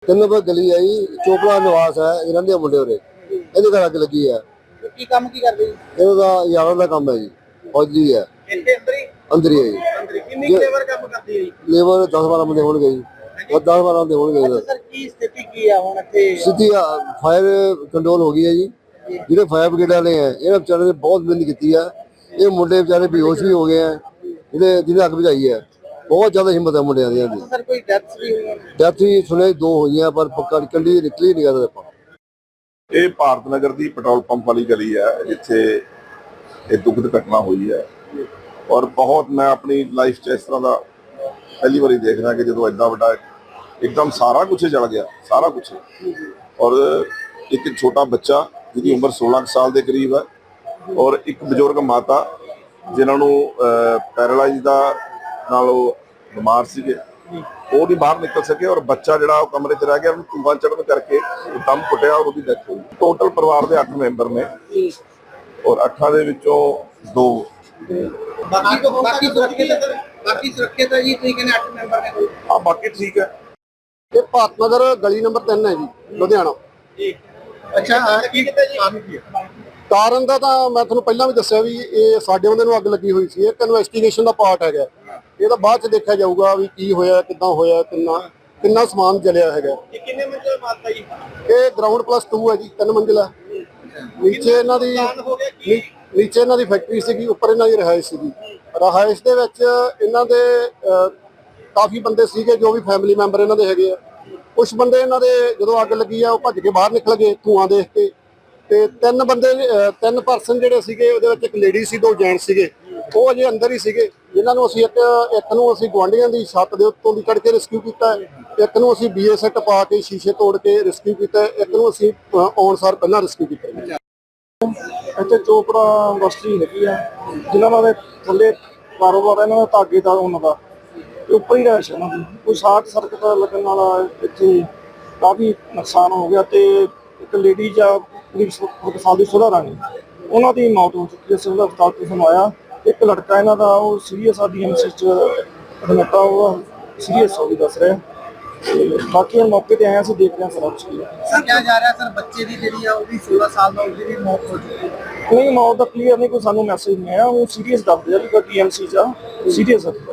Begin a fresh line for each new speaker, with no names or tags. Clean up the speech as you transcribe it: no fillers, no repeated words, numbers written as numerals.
3 number ਗਲੀ ਹੈ ਜੀ, ਚੋਪੜਾ ਨਿਵਾਸ ਹੈ ਇਹਨਾਂ ਦੇ ਮੁੰਡੇ ਉਰੇ। ਇਹਦੇ ਘਰ ਅੱਗ ਲੱਗੀ ਹੈ।
ਕੀ ਕੰਮ ਕੀ ਕਰਦੇ ਜੀ?
ਇਹਦਾ ਯਾਰਾਂ ਦਾ ਕੰਮ ਹੈ ਜੀ, ਫੌਜੀ ਹੈ।
ਇੱਥੇ
ਅੰਦਰ ਹੀ ਹੈ ਜੀ।
ਕਿੰਨੀ ਲੇਬਰ ਕੰਮ ਕਰਦੀ ਹੈ ਜੀ?
ਲੇਬਰ 10-12 ਬੰਦੇ ਹੋਣਗੇ ਜੀ, ਉਹ 10-12 ਬੰਦੇ ਹੋਣਗੇ।
ਸਰ ਕੀ ਸਥਿਤੀ ਕੀ ਆ ਹੁਣ ਇੱਥੇ?
ਸਿੱਧੀ ਫਾਇਰ ਕੰਟਰੋਲ ਹੋ ਗਈ ਹੈ ਜੀ। ਜਿਹੜੇ ਫਾਇਰ ਬ੍ਰਿਗੇਡ ਵਾਲੇ ਹੈ ਇਹਨਾਂ ਵਿਚਾਰੇ ਨੇ ਬਹੁਤ ਮਿਹਨਤ ਕੀਤੀ ਹੈ। ਇਹ ਮੁੰਡੇ ਵਿਚਾਰੇ ਬੇਹੋਸ਼ ਵੀ ਹੋ ਗਏ ਹੈ, ਜਿਹਨੇ ਅੱਗ ਬੁਝਾਈ ਹੈ। ਬਹੁਤ ਜ਼ਿਆਦਾ ਹਿੰਮਤ ਹੈ ਮੁੰਡਿਆਂ ਦੀ।
ਸਰ ਕੋਈ ਡੈਥ ਵੀ ਹੋਈ?
ਡੈਥ ਵੀ ਸੁਣਿਆ 2 ਹੋਈਆਂ, ਪਰ ਪੱਕਾ ਨਿਕਲੀ ਨਹੀਂ ਗਾ ਆਪਾਂ।
ਇਹ ਭਾਰਤ ਨਗਰ ਦੀ ਪੈਟਰੋਲ ਪੰਪ ਵਾਲੀ ਗਲੀ ਹੈ ਜਿੱਥੇ ਇਹ ਦੁਖਦ ਘਟਨਾ ਹੋਈ ਹੈ। ਔਰ ਬਹੁਤ ਮੈਂ ਆਪਣੀ ਲਾਈਫ 'ਚ ਇਸ ਤਰ੍ਹਾਂ ਦਾ ਪਹਿਲੀ ਵਾਰੀ ਦੇਖ ਰਿਹਾ ਕਿ ਜਦੋਂ ਐਡਾ ਵੱਡਾ ਇੱਕਦਮ ਸਾਰਾ ਕੁਝ ਜਲ ਗਿਆ, ਸਾਰਾ ਕੁਝ। ਔਰ ਇੱਕ ਛੋਟਾ ਬੱਚਾ ਜਿਹਦੀ ਉਮਰ 16 ਸਾਲ ਦੇ ਕਰੀਬ ਹੈ, ਔਰ ਇੱਕ ਬਜ਼ੁਰਗ ਮਾਤਾ ਜਿਨ੍ਹਾਂ ਨੂੰ ਪੈਰਾਲਾਈਜ਼ ਦਾ ਨਾਲ ਉਹ ਬਿਮਾਰ ਸੀਗੇ, ਉਹ ਨਹੀਂ ਬਾਹਰ ਨਿਕਲ ਸਕੇ। ਔਰ ਬੱਚਾ ਜਿਹੜਾ ਉਹ ਕਮਰੇ 'ਚ ਰਹਿ ਗਿਆ, ਉਹਨੂੰ ਧੂੰਆਂ ਚੜ੍ਹਨ ਕਰਕੇ ਦਮ ਘੁੱਟਿਆ ਔਰ ਉਹਦੀ ਡੈਥ ਹੋਈ। ਟੋਟਲ ਪਰਿਵਾਰ ਦੇ 8 ਮੈਂਬਰ ਨੇ ਔਰ 8 ਦੇ ਵਿੱਚੋਂ 2
ਬਾਕੀ ਸੁਰੱਖਿਅਤ ਹੈ ਜੀ। ਤੁਸੀਂ ਕਹਿੰਦੇ 8 ਮੈਂਬਰ ਨੇ?
ਹਾਂ, ਬਾਕੀ ਠੀਕ ਹੈ।
ਇਹ ਭਾਰਤ ਨਗਰ ਗਲੀ ਨੰਬਰ 3 ਹੈ ਜੀ, ਲੁਧਿਆਣਾ।
ਅੱਛਾ, ਕੀ ਕਿਤੇ ਜੀ?
ਕਾਰਨ ਦਾ ਤਾਂ ਮੈਂ ਤੁਹਾਨੂੰ ਪਹਿਲਾਂ ਵੀ ਦੱਸਿਆ ਵੀ ਇਹ ਸਾਡੇ ਬੰਦੇ ਨੂੰ ਅੱਗ ਲੱਗੀ ਹੋਈ ਸੀ। ਇੱਕ ਇਨਵੈਸਟੀਗੇਸ਼ਨ ਦਾ ਪਾਰਟ ਹੈਗਾ, ਇਹ ਤਾਂ ਬਾਅਦ ਚ ਦੇਖਿਆ ਜਾਊਗਾ ਵੀ ਕੀ ਹੋਇਆ, ਕਿੱਦਾਂ ਹੋਇਆ, ਕਿੰਨਾ ਸਮਾਨ ਜਲਿਆ ਹੈਗਾ।
ਇਹ ਕਿੰਨੇ ਮੰਜ਼ਿਲ ਮਾਤਾ ਜੀ?
ਇਹ ਗਰਾਊਂਡ +2 ਹੈ ਜੀ, 3 ਮੰਜ਼ਿਲਾ। ਨੀਚੇ ਇਹਨਾਂ ਦੀ ਫੈਕਟਰੀ ਸੀਗੀ, ਉੱਪਰ ਇਹਨਾਂ ਦੀ ਰਿਹਾਇਸ਼ ਸੀਗੀ। ਰਿਹਾਇਸ਼ ਦੇ ਵਿੱਚ ਇਹਨਾਂ ਦੇ ਕਾਫੀ ਬੰਦੇ ਸੀਗੇ ਜੋ ਵੀ ਫੈਮਿਲੀ ਮੈਂਬਰ ਇਹਨਾਂ ਦੇ ਹੈਗੇ ਆ। ਕੁਝ ਬੰਦੇ ਇਹਨਾਂ ਦੇ ਜਦੋਂ ਅੱਗ ਲੱਗੀ ਆ ਉਹ ਭੱਜ ਕੇ ਬਾਹਰ ਨਿਕਲ ਗਏ ਧੂਆਂ ਦੇਖ ਕੇ। ਤੇ 3 ਪਰਸਨ ਜਿਹੜੇ ਸੀਗੇ, ਉਹਦੇ ਵਿੱਚ ਇੱਕ ਲੇਡੀ ਸੀ, 2 ਜੈਂਟਸ ਸੀਗੇ, ਉਹ ਅਜੇ ਅੰਦਰ ਹੀ ਸੀਗੇ। ਜਿਨ੍ਹਾਂ ਨੂੰ ਅਸੀਂ ਇੱਕ ਨੂੰ ਅਸੀਂ ਗੁਆਂਢੀਆਂ ਦੀ ਛੱਤ ਦੇ ਉੱਤੋਂ ਦੀ ਕੱਢ ਕੇ ਰੈਸਕਿਊ ਕੀਤਾ, ਇੱਕ ਨੂੰ ਅਸੀਂ BA ਸੈੱਟ ਪਾ ਕੇ ਸ਼ੀਸ਼ੇ ਤੋੜ ਕੇ ਰੈਸਕਿਊ ਕੀਤਾ, ਇੱਕ ਨੂੰ ਅਸੀਂ ਆਉਣ ਸਾਰ ਪਹਿਲਾਂ ਰੈਸਕਿਊ ਕੀਤਾ। ਇੱਥੇ ਚੋਪੜਾ ਇੰਡਸਟਰੀ ਹੈਗੀ ਆ, ਜਿਨ੍ਹਾਂ ਦੇ ਥੱਲੇ ਕਾਰੋਬਾਰ ਇਹਨਾਂ ਦਾ ਧਾਗੇ ਦਾ, ਉਹਨਾਂ ਦਾ ਉੱਪਰ ਹੀ ਰਹਿਸ਼ ਇਹਨਾਂ ਦੀ। ਕੋਈ ਸ਼ਾਰਟ ਸਰਕਟ ਲੱਗਣ ਨਾਲ ਇੱਥੇ ਕਾਫੀ ਨੁਕਸਾਨ ਹੋ ਗਿਆ। ਤੇ ਇੱਕ ਲੇਡੀ ਜਾਂ 1 ਸਾਲ ਦੀ ਸੁਧਾ ਰਾਣੀ, ਉਹਨਾਂ ਦੀ ਮੌਤ ਹੋ ਚੁੱਕੀ ਹੈ, ਸਿਵਲ ਹਸਪਤਾਲ ਤੋਂ ਸੁਣਵਾਇਆ। ਇੱਕ ਲੜਕਾ ਇਹਨਾਂ ਦਾ ਉਹ ਸੀਰੀਅਸ ਆ, DMC 'ਚ ਐਡਮਿਟ ਆ, ਉਹ ਸੀਰੀਅਸ ਹੋ ਗਈ ਦੱਸ ਰਿਹਾ। ਤੇ ਬਾਕੀ ਹੁਣ ਮੌਕੇ ਤੇ ਆਏ ਅਸੀਂ ਦੇਖ ਰਹੇ ਹਾਂ ਸਾਰਾ ਕੁਛ।
ਸਰ ਕਿਹਾ ਜਾ ਰਿਹਾ ਸਰ ਬੱਚੇ ਦੀ ਜਿਹੜੀ ਆ ਉਹ ਵੀ 16 ਸਾਲ ਦਾ, ਉਹਦੀ ਵੀ ਮੌਤ ਹੋ ਚੁੱਕੀ ਹੈ?
ਨਹੀਂ, ਮੌਤ ਦਾ ਕਲੀਅਰ ਨਹੀਂ, ਕੋਈ ਸਾਨੂੰ ਮੈਸੇਜ ਨਹੀਂ ਆਇਆ। ਉਹ ਸੀਰੀਅਸ ਦੱਸਦੇ ਆ ਵੀ DMC 'ਚ ਸੀਰੀਅਸ ਹੈ।